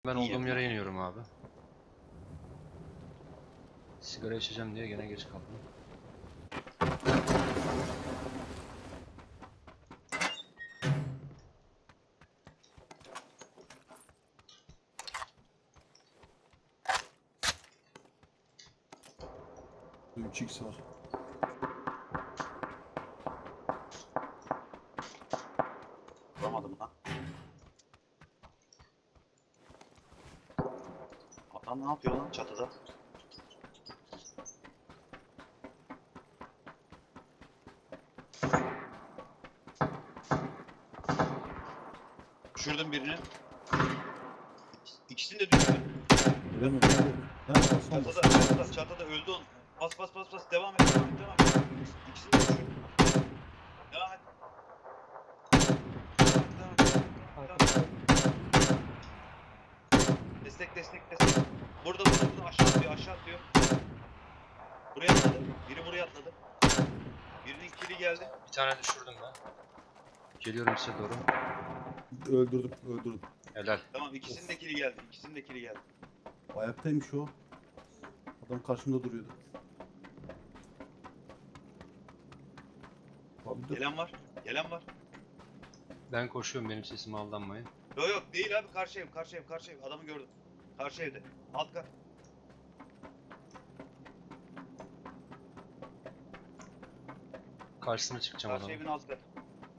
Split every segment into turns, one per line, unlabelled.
Ben
İyi
olduğum
ya.
yere iniyorum abi. Sigara içeceğim diye gene geç kaldım.
Bu 3x var.
Vuramadım lan. Adam ne yapıyor lan çatıda? Düşürdüm birini. İkisini de düşürdüm.
Öyle mi?
Çatıda öldü onu. Bas. Devam et. İkisini de düşürdüm. Devam et. Devam et. Destek. Burada aşağı atlıyor. Buraya atladı. Biri buraya atladı. Birinin kili geldi.
Bir tane düşürdüm ben. Geliyorum size doğru.
Öldürdüm.
Helal.
Tamam ikisinin de kili geldi.
Ayaktaymış o. Adam karşımda duruyordu. Abi dur.
Gelen var.
Ben koşuyorum, benim sesime aldanmayın.
Yok değil abi, karşı ev. Adamı gördüm. Karşı evde. Alt kat.
Karşısına çıkacağım
Karşı
adamın.
evin alt katı.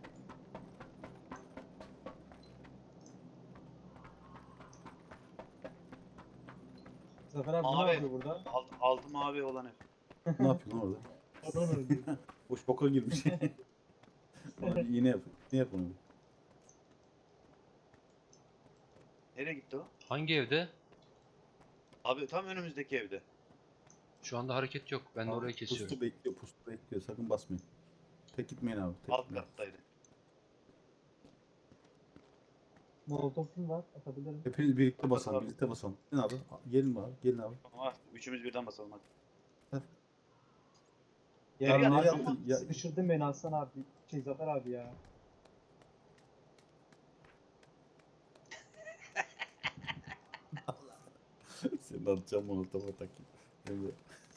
Zafer abi
Mavi.
ne yapıyor burada?
Altı mavi olan ev.
Ne yapıyorsun orada?
Adam öldü.
Boş boka girmiş. Ona bir iğne yap. Ne yap onu?
Nereye gitti o?
Hangi evde?
Abi tam önümüzdeki evde.
Şu anda hareket yok. Ben de orayı kesiyorum.
Pustu bekliyor. Sakın basmayın. Tek gitmeyin abi. Tek
Alt
gitmeyin.
kattaydı.
Molotof'um var, atabilirim.
Hepiniz birlikte
Bas
basalım.
abi.
Birlikte basalım. Gelin abi. Gelin abi.
Ama üçümüz birden basalım hadi.
Yere
Abi
gel
nereye
abi.
attın? Ya-
Sıkıştırdın beni Hasan abi. Zafer abi ya.
Senin atacağım molotofa takayım. Emre.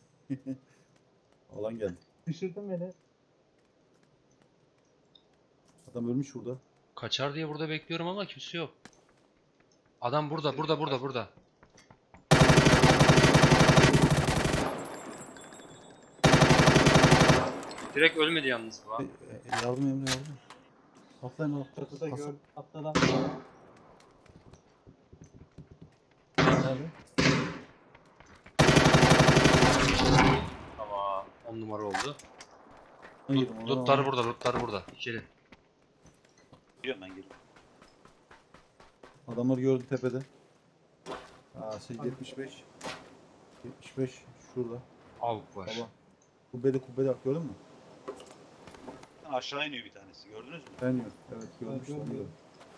Alan geldi.
Sıkıştırdın beni.
Adam ölmüş burada.
Kaçar diye burada bekliyorum ama kimse yok. Adam burada. Direkt ölmedi yalnız bu.
Yardım Emre yardım. Atlayın abi.
Çatıda
Hasan.
gör. Atladan.
Nerede?
Tamam. 10 numara oldu.
Hayır,
Lootlar burada. İçeri.
Geliyorum ben geliyorum.
Adamları gördüm tepede. Aa, 75. 75 şurada.
Avuk var.
Baba. Kubbede bak, gördün mü?
Aşağı iniyor bir tanesi, gördünüz mü?
Ben yok. Evet görmüştüm.
Evet,
onu da.
gördüm.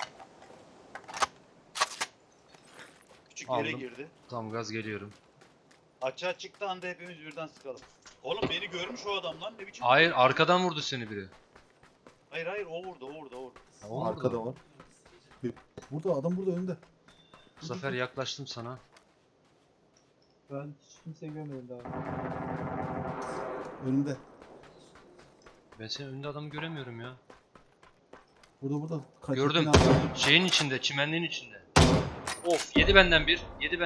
Küçük yere
Aldım.
girdi.
Tam gaz geliyorum.
Açığa çıktı anda hepimiz birden sıkalım. Oğlum beni görmüş o adam lan, ne biçim?
Hayır, arkadan vurdu seni biri.
Hayır o vurdu.
Ha, o
Arkada
vurdu.
var. Burada adam, burada önünde.
Bu sefer yaklaştım sana.
Ben hiç kimseyi görmedim daha.
Önünde.
Ben senin önünde adamı göremiyorum ya.
Burada.
Gördüm. Şeyin içinde, çimenliğin içinde. Of, yedi benden bir.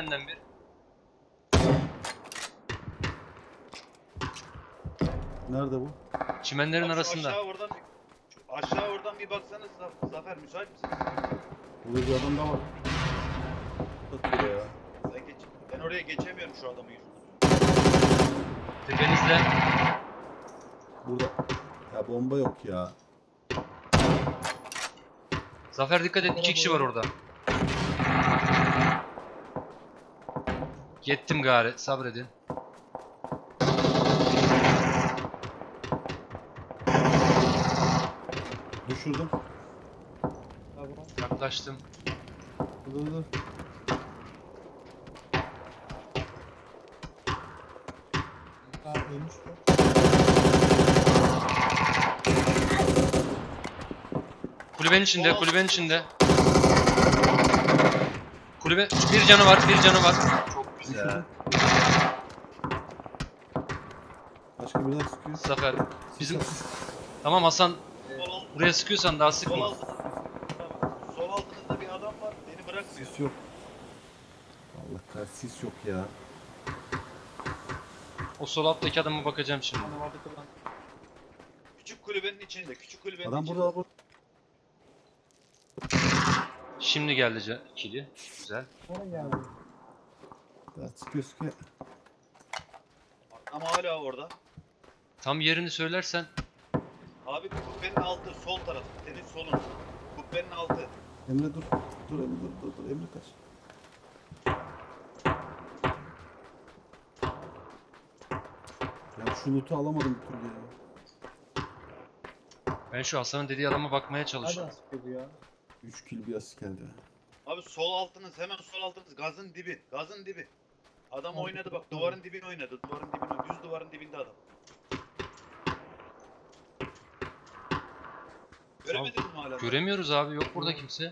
Nerede bu?
Çimenlerin
Bak şu
arasında.
Aşağı oradan bir baksanız Zafer, müsait misin?
Burada bir adam daha var. Bak buraya ya.
Ben oraya geçemiyorum şu adamın yüzünden.
Tepenizde.
Burada. Ya bomba yok ya.
Zafer dikkat et, 2 kişi var orada. Yettim gari, sabredin.
Düşürdüm.
Tamam.
Yaklaştım.
Dur.
Ha ölmüş bu.
Kulübenin içinde. Kulübe bir canı var, bir canı var. Çok güzel.
Başka biri daha sıkıyor.
Zafer.
Sis
Bizim
at, sis.
tamam Hasan,
Sol alt,
buraya sıkıyorsan daha
sol
sıkma.
altınızda. Tamam. Sol altınızda bir adam var. Beni bırakmıyor.
Sis yok. Allah kahretsin sis yok ya.
O sol alttaki adama bakacağım şimdi.
Bana vardı kılan.
Küçük kulübenin içinde. Küçük kulübenin
Adam
içinde.
burada.
Şimdi geldi kili. Güzel.
Nereye geldi?
Daha sıkıyor sıkıyor.
Ama hala orada.
Tam yerini söylersen
Abi kubbenin altı sol taraf. Senin solun. Kubbenin altı.
Emre dur. Dur Emre dur. Emre kaç. Ya şu loot'u alamadım bir türlü ya.
ben şu Hasan'ın dediği adama bakmaya
Nereden
çalışıyorum.
sıkıyor bu ya?
3 kill bir asist geldi.
Abi sol altınız hemen sol altınız. Gazın dibi. Gazın dibi. Adam
Abi,
oynadı bak. Duvarın dibine oynadı. Duvarın dibine oynadı. Düz duvarın dibinde adam. Göremedin mi hala?
Göremiyoruz abi, yok burada kimse.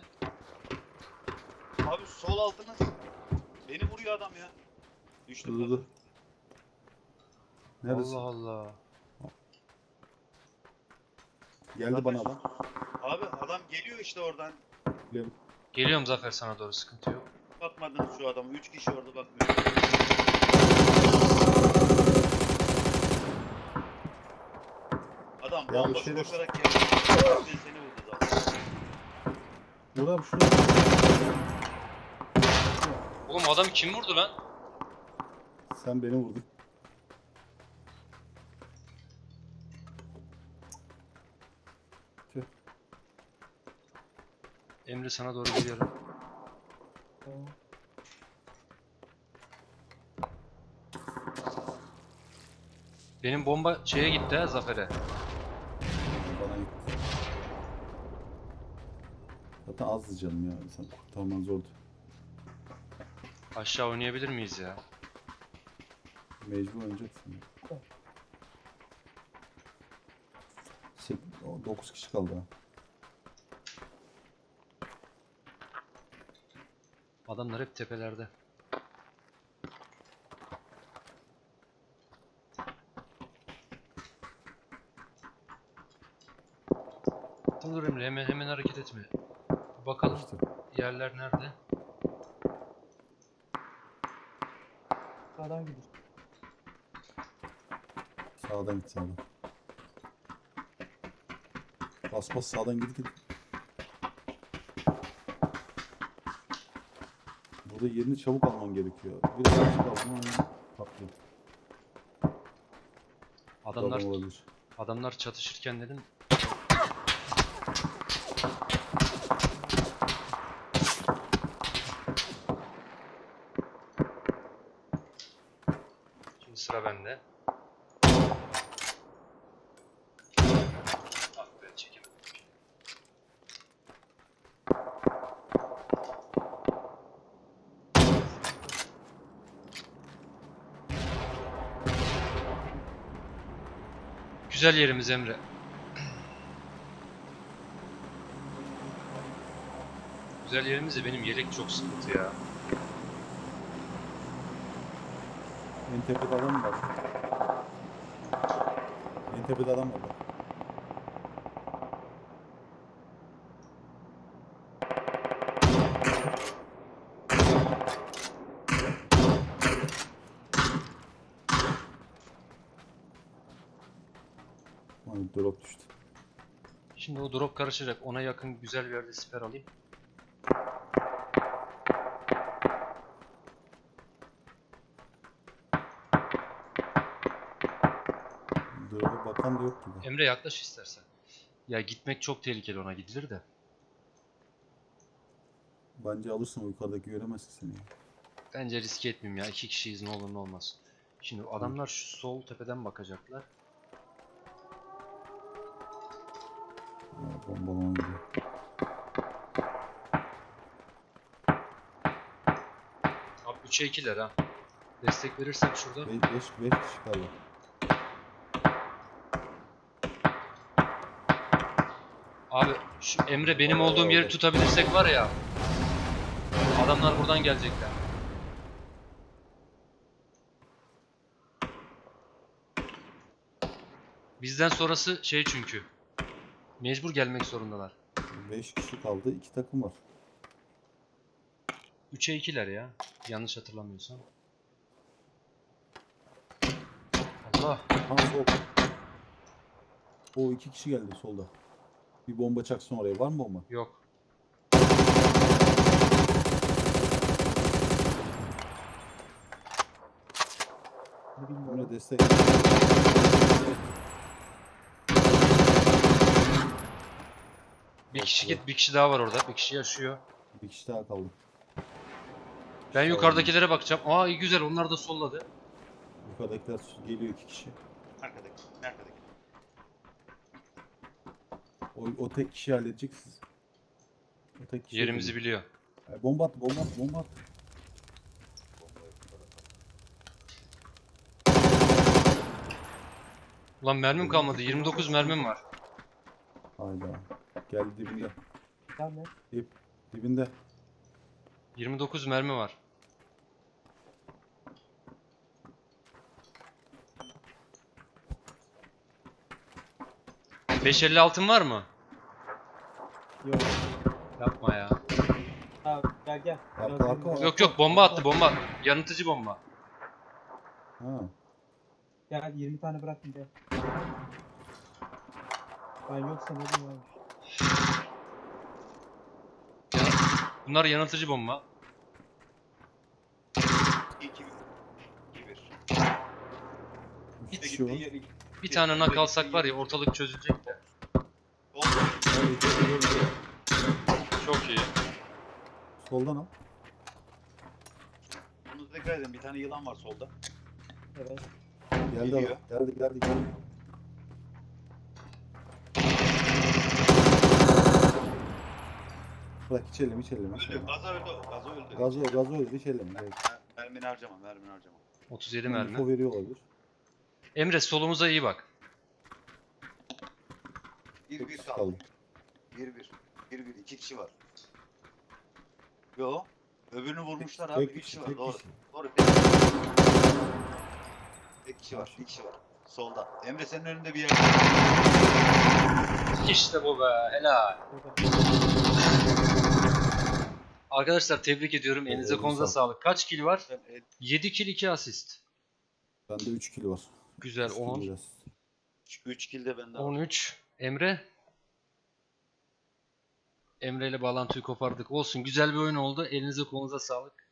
Abi sol altınız. Beni vuruyor adam ya. Düştüm.
Dur. Neredesin?
Allah Allah.
Geldi bana adam.
Abi adam geliyor işte oradan.
Biliyorum.
Geliyorum Zafer sana doğru, sıkıntı yok.
Bakmadınız şu adamı. 3 kişi orada bakmıyor. Adam
Ya
bomboş
bir şey-
koşarak geldi. Seni vurdu zaten.
Dur abi şurada.
Oğlum adamı kim vurdu lan?
Sen beni vurdun. Tüh.
Emre sana doğru geliyorum.
Tamam.
Benim bomba şeye gitti ha, Zafer'e.
Bana gitti. Zaten azdı canım ya. Sen kurtarman zordu.
Aşağı oynayabilir miyiz ya?
Mecbur oynayacaksın. 9 kişi kaldı ha.
Adamlar hep tepelerde. Dur Emre, hemen hareket etme. Bakalım
İşte.
yerler nerede?
Sağdan gidiyor.
Sağdan git sağdan. Bas sağdan git. Burada yerini çabuk alman gerekiyor. Bir daha çabuk alman patlıyor.
Adamlar
Adam olabilir.
adamlar çatışırken dedim. Şimdi sıra bende. Ah be, çekemedim. Güzel yerimiz Emre. Güzel yerimiz de benim yelek çok sıkıntı ya.
En tepede adam var. En tepede adam var. Hani drop düştü.
Şimdi o drop karışacak. Ona yakın güzel bir yerde siper alayım.
Drop'a bakan da yok gibi.
Emre yaklaş istersen. Ya gitmek çok tehlikeli, ona gidilir de.
Bence alırsın, o yukarıdaki göremezsin seni.
Bence riske etmeyeyim ya. 2 kişiyiz, ne olur ne olmaz. Şimdi adamlar şu sol tepeden bakacaklar.
Ya, bombalama gidiyor.
Abi 3'e 2'ler ha. Destek verirsek şurada.
5 kişi kaldı.
Abi şu Emre benim olduğum yeri tutabilirsek var ya. Adamlar buradan gelecekler. Bizden sonrası şey çünkü. Mecbur gelmek zorundalar.
5 kişi kaldı. 2 takım var.
3'e 2'ler ya. Yanlış hatırlamıyorsam. Allah.
Ha sol. O 2 kişi geldi solda. Bir bomba çaksın oraya. Var mı bomba?
Yok.
Ne bilmiyorum.
Buna destek.
Bir kişi git, bir kişi daha var orada. Bir kişi yaşıyor.
Bir kişi daha kaldı.
Ben yukarıdakilere bakacağım. Aa iyi güzel, onlar da solladı.
Yukarıdakiler geliyor 2 kişi.
Arkadaki. Arkadaki.
O tek kişi halledecek siz. O tek kişi
Yerimizi
halledecek.
biliyor.
Bomba at, bomba at, bomba at.
Bombayı bu tarafa.
Ulan mermim kalmadı. 29 mermim var.
Hayda. Geldi dibinde.
Sen ne?
Dibinde.
29 mermi var. ...556'ın var mı?
Yok.
Yapma ya.
Ha, gel gel.
Arka,
Biraz
arka,
yürü.
Yok yok, bomba attı, bomba. Yanıtıcı bomba.
Ha.
Gel 20 tane bıraktım gel. Ben yoksa ne diyeyim abi.
Bunlar yanıltıcı bomba.
2 1.
3 kişi var.
Bir tane nak alsak var ya, ortalık çözülecek de. Çok iyi.
Soldan al.
Bunu tekrar edin. Bir tane yılan var solda.
Evet.
Geldi
Geliyor.
adam. Geldi. Bırak hiç elleme.
Öldü. Gaza öldü. Gaza öldü.
Gazı öldü hiç elleme. Evet.
Mermini harcama. Mermini harcama.
37
Info
mermi.
veriyor olabilir.
Emre solumuza iyi bak.
1
kişi
kaldı.
kaldı.
1 2 kişi var. Yo. Öbürünü vurmuşlar abi.
Tek
3
kişi,
kişi var.
tek
Doğru.
kişi.
Doğru. Tek kişi var. Bir kişi var. Solda. Emre senin önünde bir yer.
İşte bu be, helal.
Burada.
Arkadaşlar tebrik ediyorum. Elinize konuza sağlık. Kaç kill var?
Sen
7 kill 2 asist.
Bende 3 kilo var.
Güzel. 10,
3 kill de bende var.
13. Emre? Emre ile bağlantıyı kopardık. Olsun, güzel bir oyun oldu. Elinize kolunuza sağlık.